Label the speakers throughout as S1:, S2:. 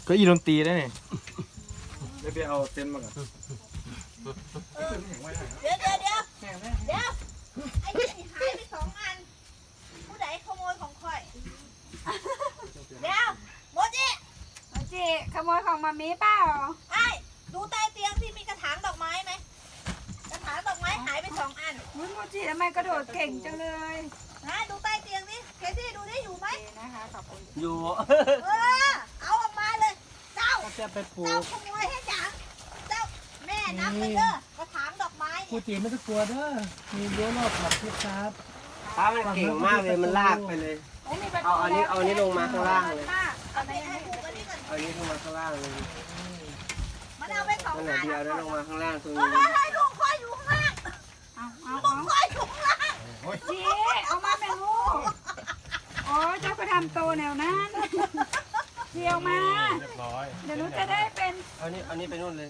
S1: ก็อีดนตรีได้เนี่ยไปเอาเต็นท์มาก่อน
S2: เดี๋ยวไอ้นี่หายไป2 อันผู้ใดขโมยของข่อยเดี๋ยวโมจิ
S3: ขโมยของมามีเปล่า
S2: ไอ้ดูใต้เตียงที่มีกระถางดอกไม้ไหมกระถางดอกไม้หายไป2 อัน
S3: มุ้ยโมจิทำไมกระโดดเก่งจังเลย
S2: นะดูใต้เตียงนี่เคซี่ดูได้อยู่ไหม
S3: นะคะขอบคุณ
S4: อยู่
S2: เอาออกมาเลยเจ้า
S4: จะไปปลู
S2: เจ้าก ขโมยให้จังเจ้าแม่นับไปเด้อกระถางดอกไม้
S5: กูตีไม่ต้องกลัวเด้อมีรั้วรอบขอบพี่ครับ
S4: ป้ามันเก่งมากเลยมันลากไปเลย เอาอันนี้ลงมาข้างล่างเลย
S2: เอาไปให้ผูกกันนี่ก่อน
S4: เอาอันนี้ลงมาข้างล่างเลย
S2: มันเอาไป2
S4: ข
S2: อัน
S4: นาดเดียวได้ลงมาข้างล่างตรง
S2: เฮ้
S4: นี้
S2: ยลูกค่อยอยู่ข้างล่าง
S3: เอา
S2: ลูกค่อยอยู่ข้างล่าง
S3: จีเอามาแม่ลูกโอ้เจ้าก็ทำโตแนวนั้นเดียวมา
S1: เรียบร้อย
S3: เดี๋ยวหนูจะได้เป็น
S4: เอานี้ไปนู่นเลย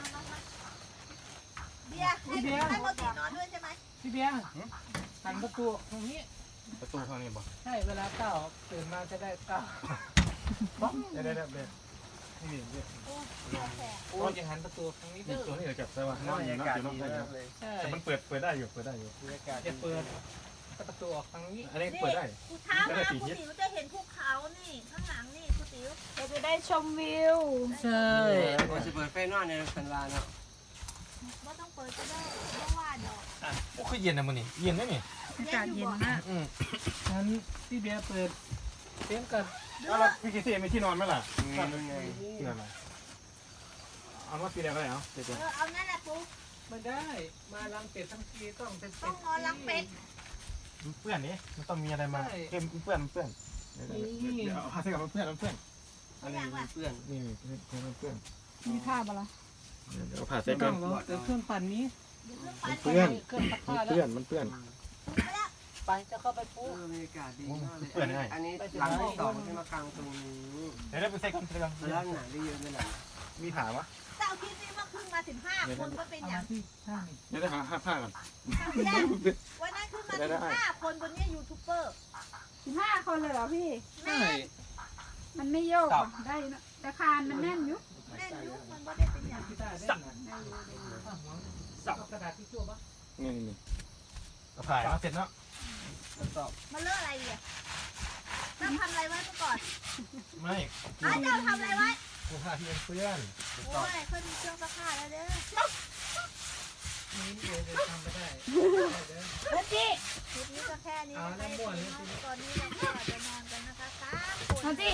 S2: เบียร์ให้โมจินอนด้วยใช่ไหม
S5: พี่เบียร์หันประตูตรงนี้
S1: ประตูข้างนี้บ่
S5: ใช่เวลาเต้าตื่นมาจะได้เต้า
S1: เดี๋ยวนี่
S5: โอ้จะหันประตูตรงนี้
S1: นี่
S5: เด้อ
S1: ตัวนี้เดี๋ยวจับใส่ว่า
S4: บรรยากาศดีมากเลย
S5: ใช่
S1: แต่มันเปิดได้อยู่
S4: บรรยากาศ
S5: จะเปิดประตูออกทางนี้
S1: อันนี้เปิดได้
S2: กูเช้ามาคุณติ๋วจะเห็นภูเขานี่ข้างหลังนี่คุณติ๋ว
S3: เราจะได้ชมวิว
S5: ใช่
S4: เราจะเปิดไฟนอนในคันลาเนาะ
S2: ว่าต้องเปิดก็ได้เพราะว่าดอก
S1: โอ้คือเย็นนะมันนี่เย็นได้นี่
S3: อากาศเย็นมาก
S5: งั้นพี่เบียร์เปิดเต็มกัน
S1: แล้วพี่กิซี่มีที่นอนไหมล่ะ
S4: ไง
S1: ที่นอนอะไรเอาว่าปีเดียวก็ได้เดี๋ยว
S2: เอานั่นแหละปุ๊บ
S5: ไม่ได้ มาลังเป็ดทั้งทีต้องเป็น
S2: ต้องนอนรังเป็ด
S1: เปื้อนนี่มันต้องมีอะไรมาเปื้อนเดี๋ยวเอาผ้าเสื้อกับเปื้อน
S4: อันนี้เพื่อน
S1: นี่เปื้อน
S3: มีผ้าปะล่ะ
S1: เดี๋ยวผ้าเสื้
S5: ไม่
S1: อ
S5: ต้องหรอกเดี๋ยวเครื่องปั่นนี้
S1: เปื้อน
S5: เครื่องซักผ้าแล้ว
S1: มันเปื้อน
S5: ไปจะเข้าไปปุ๊บบ
S4: รรยากาศดีมากเลยอันนี้หลังที่2ที่มากลางตรงนี้
S1: เดี๋ยวได้ไปใส่กันเสื้อ
S4: แล้วหนาได้เยอะไหมล่ะ
S1: มีถามวะ
S2: เจ้าคิดนี่ว่าขึ้นมาถึง5 คนก็เป็น
S5: เอา
S2: อย่า
S5: มาง ที่ช่าง
S1: เดี๋ยวได้หาผ้าก่อน
S2: วันนั้นขึ้นมาถึง5 คนบนนี้ยูทูบเบอร์
S3: 15 คนเลยเหรอพี่
S5: ใช่
S3: มันไม่โยกอ่ะได้นะแต่คานมันแน่นอยู่
S2: แน่นยุมันบ่ได้เป็นอย่าง
S5: ที่ได้ได้นะสับกระดาษที่ชั่วปะ
S1: นี่ก็ถ่ายมาเสร็จแล้ว
S2: มันเลอะอะไรอ่ะเจ้าทำอะไรไว้เมื่อก่อน
S1: ไม่
S2: เจ้าทำอะไรไว้
S1: กูผ้าที่เปื้อน
S2: โอ้ยเคยมีเครื่องซักผ้าแล้วเด้อ
S5: นี่เดี๋ยวทำไปได้
S3: โมจิ
S2: คลิปนี้ก็แค่นี้นะคะตอนนี้เราก็จะนอนกันนะคะ3 คน
S3: โมจิ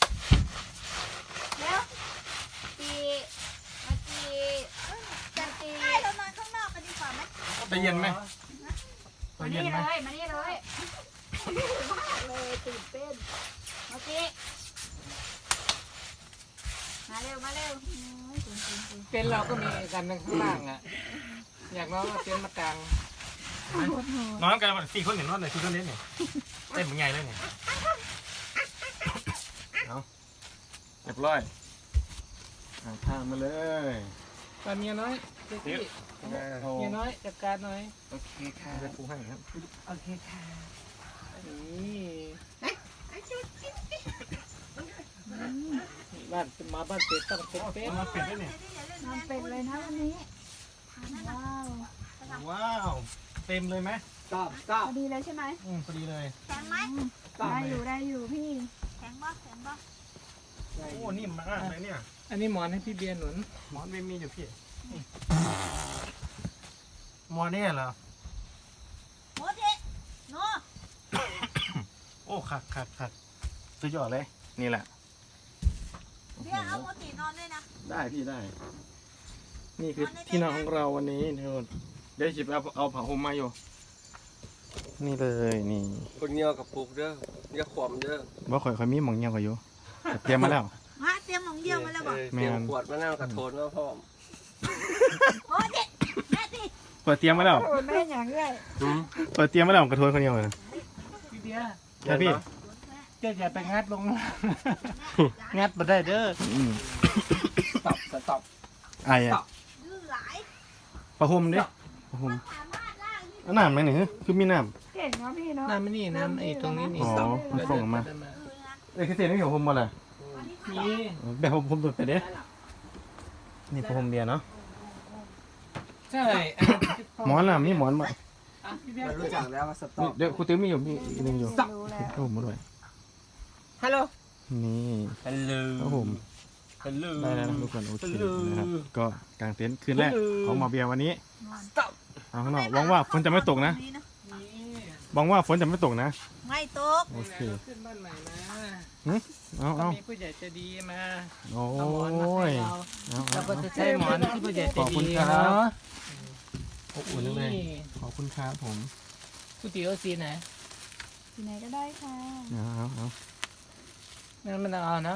S3: แล้วจีมาจีจะจี
S2: ใช่เรานอนข้างนอกกันดีกว่าไหม
S1: ไปเย็นไหมไป
S3: มา
S1: เย็
S3: นี่
S1: นไหม
S3: เลยมานี่เลยมากเลยตื่นเต้นโมจิมาเร็วตื่น
S5: เต็นท์เราก็มีกันข้างล่างอ่ะ อยากน้องเอาเต็นท์มากาง
S1: นอนกัน4 คนนอนเลย4 คนเล่นเนี่ยเต็มใหญ่เลยเนี่ยเอาเรียบร้อยผ้ามาเลย
S5: ตอนเมียน้อยเจ๊กี้เมียน้อยจัดการหน่อย
S4: โอเคค่ะ
S1: จะปูให้ครับ
S5: โอเคค่ะนี่บ้านมาบ้านเป็ดต้องเป็นเป็ด
S1: มาเป็ดด้วยเนี่ย
S3: นอนเป็ดเลยนะวันนี้ว้าว
S1: ว้าว เต็มเลยไหม
S4: ตอบ
S3: พอดีเลยใช่ไหม
S1: พอดีเลย
S2: แข็งไหม
S3: ได้อยู่พี่
S2: แข็งบ่แข็งบ่
S1: โอ้นิ่มมากเลยเนี่ย
S5: อันนี้หมอนให้พี่เบียร์หนุน
S1: หมอนไม่มีอยู่พี่หมอนเนี่ยเหรอ
S2: โมจิโน
S1: โอ้ขัดสุดยอดเลยนี่แหละ
S2: เบียร์เอาโมจินอนด้วยนะ
S1: ได้พี่ได้ นี่คือที่นอนของเราวันนี้เดี๋ยวจิบเอาผ้าห่มมาอยู่นี่เลยนี่
S4: คนเงียวกับปลูกเด้อเงียวขวมเด้อ
S1: บ่ข่อยมีหมองเงี้ยวกับอยู่เตรียมมาแล้ว
S2: ฮะเตรียมหนองเยี่ยวมาแล้วบ่
S4: เตรียมขวดมานั่งกระโถนมาพร้อม
S2: โมจิแม่สิ
S1: เปิดเตรียมมาแล้ว
S3: โอ้แม่อย่างเงี้ย
S1: เปิดเตรียมมาแล้วกระทวนคนเดียวเลย
S5: พี่เบียร์
S1: ใช่พี่
S5: เจ้าอย่าไปงัดลงงัดมาได้เด้อ
S4: ตอบ
S1: ไอ้อะ
S2: ดื้อหลาย
S1: ผ้าห่มดิผ้าห่ม
S2: สามารถล่างนี่
S1: เอาน้ำไหมเนี่ยคือมีน้
S3: เก่งเนาะพี่เนาะ
S5: น้ำไม่นี่น้ำไอ้ตรงนี้นี่
S1: อ๋อมันส่งออกมา
S2: คือนะ
S1: ำเอ้ยคือเสียงนี่ของห่มมาเลย
S2: วันนี้ท
S5: มี
S1: แบบผมตัวไปเด้นี่ผมเบียร์เนาะ
S5: ใช่
S1: หมอนล่ะมีหมอนบ่
S4: เรารู้จักแล้วว่าสต็อก
S1: เดี๋ยวครูติ๋วมีอยู่มีอีกหนึงอยู่
S3: รู้แล้ว
S1: โอ้ผมมาด้วย
S4: ฮัลโหล
S1: นี่
S4: ฮัลโหล
S1: ครับผม
S4: ฮัลโหล
S1: ได้แล้วนะทุกคนโอเคนะครับก็กางเต็นท์คืนแรกของหมอเบียร์วันนี้เอาข้างนอกหวังว่าฝนจะไม่ตกนะหวังว่าฝนจะไม่ตกนะ
S2: ไม่ตก
S1: โอเค
S5: ขึ้นบ้านใหม่มา
S1: เอา
S5: ก็
S1: เอา
S5: มีผู้ใหญ่ใจดีมา
S1: โอ้
S5: เอาหมอนมาให้
S1: ย
S5: เรา
S1: เอา
S5: เรา
S1: เอา
S5: ก็จะใช้หมอนที่ผู้ใหญ่ใจ
S1: ขอบคุ
S5: ดี
S1: ณครับ
S5: เนาะ
S1: อบอุ่นจังเลยขอบคุณครับผม
S5: ก๋วยเตี๋ยวสีไหน
S3: ที่ไหนก็ได้ค่ะ
S1: เอา
S5: นั่นมันเอานะ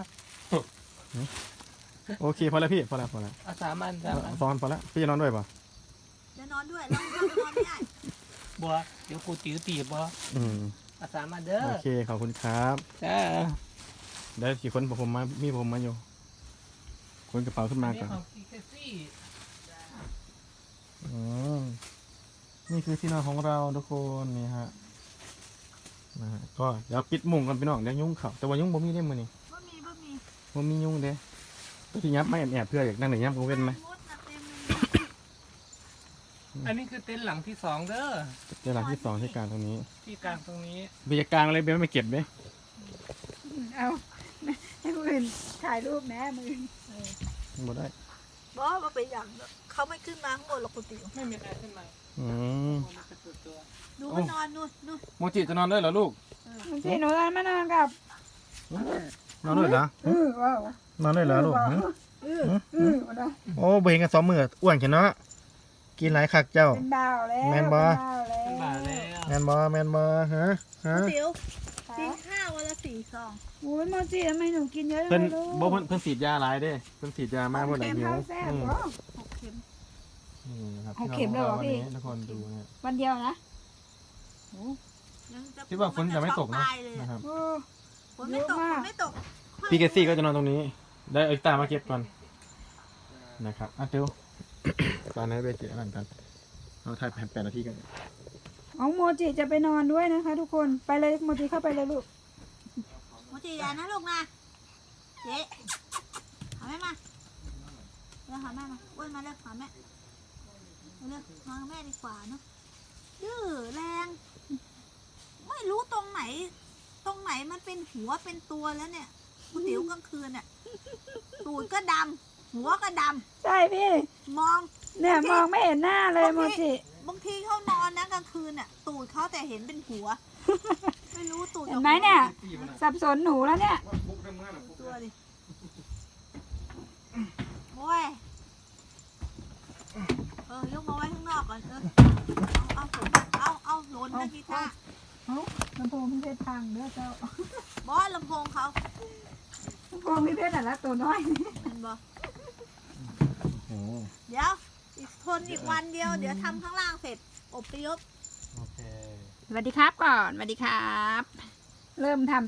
S1: โอเคพอแล้วพี่พอแล้ว
S5: เอา3 อัน3 อัน
S1: ตอนพอแล้วพี่จะนอนด้วยป่ะ
S2: จะนอนด้วยเรานอนไม่ได้
S5: บัวเดี๋ยวกูติ๋วตีบบัว
S1: อืม
S5: เอา3 อันเด้อ
S1: โอเคขอบคุณครับ
S5: จ้า
S1: ได้กี่คนผมมามีผมมาอยู่คนกระเป๋าขึ้นมา
S5: อันนี้
S1: ก่อน
S5: ของอีเคซี่
S1: อืมนี่คือที่นอนของเราทุกคนนี่ฮะนะฮะก็เดี๋ยวปิดมุ้งกันพี่น้องเดี๋ยวยุงเข่าแต่ว่ายุงบ่มีได้มือนี่
S2: บ่มี
S1: บ่มียุงเด้ก็ที่ยับไม่แอบเพื่ออยากนั่งไหนยับกูเว้นไหม
S2: มดนะเต็มเลย
S5: อันนี้คือเต็นท์หลังที่2เด้อ
S1: เดี๋ยวหลังที่สองที่กลางตรงนี้
S5: ที่กลางตรงนี้
S1: เบียร์กลางอะไรเบียร์ไม่เก็บเด้
S3: เอาให้คนอื่นถ่ายรูปแม่มือ
S1: บ่ได้
S2: บ่ว่าไปอย่างเขาไม่ขึ้นมาข้างบนหรอกคุณติ๋ว
S5: ไม่มีใครขึ้นมา
S1: อืม
S5: มันเป็นตัว
S2: ดูมันนอนนู่น
S1: โมจิจะนอนด้วยเหรอลูก
S3: บางทีหนูมานอนกับ
S1: นอนด้วยเหรอ
S3: ว้าวน
S1: อนด้วยเหรอลูกหึ
S3: มาได้
S1: โอ้เบ่งกัน2 มื้ออ้วนแค่เนาะกินหลายคักเจ้า
S3: เป็นบ่าวแล้ว
S1: แม่นบ่
S5: เป็นบาแล้ว
S1: แมนบ่ฮะ
S2: คุณติ๋วกินข้าววันละ4 ซอง
S3: โอ้ยโมจิทำไมหนูกินเยอะจั
S1: เพิ่น
S3: งเลยลูก
S1: บ่เพิ่นฉีดยาหลายเด้เพิ่นฉีดยามากเพิ่นหลายหิว
S3: ข้าวแซ่บ
S1: อืม
S3: เหรอ
S2: 6 เข็ม
S1: นี่นะครับ
S3: หกเข็มเลยเหรอพี่
S1: ทุกคนดูนะ
S3: วันเดียวนะ
S2: ยังจะ
S1: คิดว่าฝนจะไม่ตกนะ
S2: ตายเลย
S1: นะครับ
S3: โอ้
S2: ฝนไม่ตก
S3: เยอะ
S2: ฝ
S3: มาก
S2: นไม่ตก
S1: พี่เกซี่ก็จะนอนตรงนี้ ได้เอาตามาเก็บก่อนนะครับอ่ะเตียว ตอนนี้ไปเจอกันกันเราถ่าย8 นาทีกัน
S3: เอาโมจิจะไปนอนด้วยนะคะ ทุกคนไปเลยโมจิเข้าไปเลยลูก
S2: โมจิยานะลูกนะเจ๊หาแม่มาเร็วหาแม่มาอ้วนมาเร็วหาแม่เร็วมากับแม่ดีกว่าเนาะดื้อแรง ไม่รู้ตรงไหนมันเป็นหัวเป็นตัวแล้วเนี่ยคุณติ๋วกลางคืนน่ะตูดก็ดำหัวก็ด
S3: ใช่พี่
S2: ำมอง
S3: เนี่ยมองไม่เห็นหน้าเลยโมจิ
S2: บางทีเขานอนนะกลางคืนน่ะ ตูดเขาแต่เห็นเป็นหัว ไม่รู้ตูด
S3: เห็นไหมเนี่ย สับสนหนูแล้วเนี่ย
S2: ตัวดิโอ้ยยกมาไว้ข้างนอกก่อนเอาหล่นนะกีตาร์
S3: ลำโพงพี่เพชรพังเด้อเจ้า
S2: บอสลำโพงเขา
S3: ลำโพงพี่เพชรน่ะละตัวน้อย
S2: เห็นบอ
S1: โอ้
S2: เดี๋ยวทนอีกวันเดียวเดี๋ยวทำข้างล่างเสร็จอพยพ
S1: โอเค
S3: สวัสดีครับก่อนสวัสดีครับ เริ่มทำ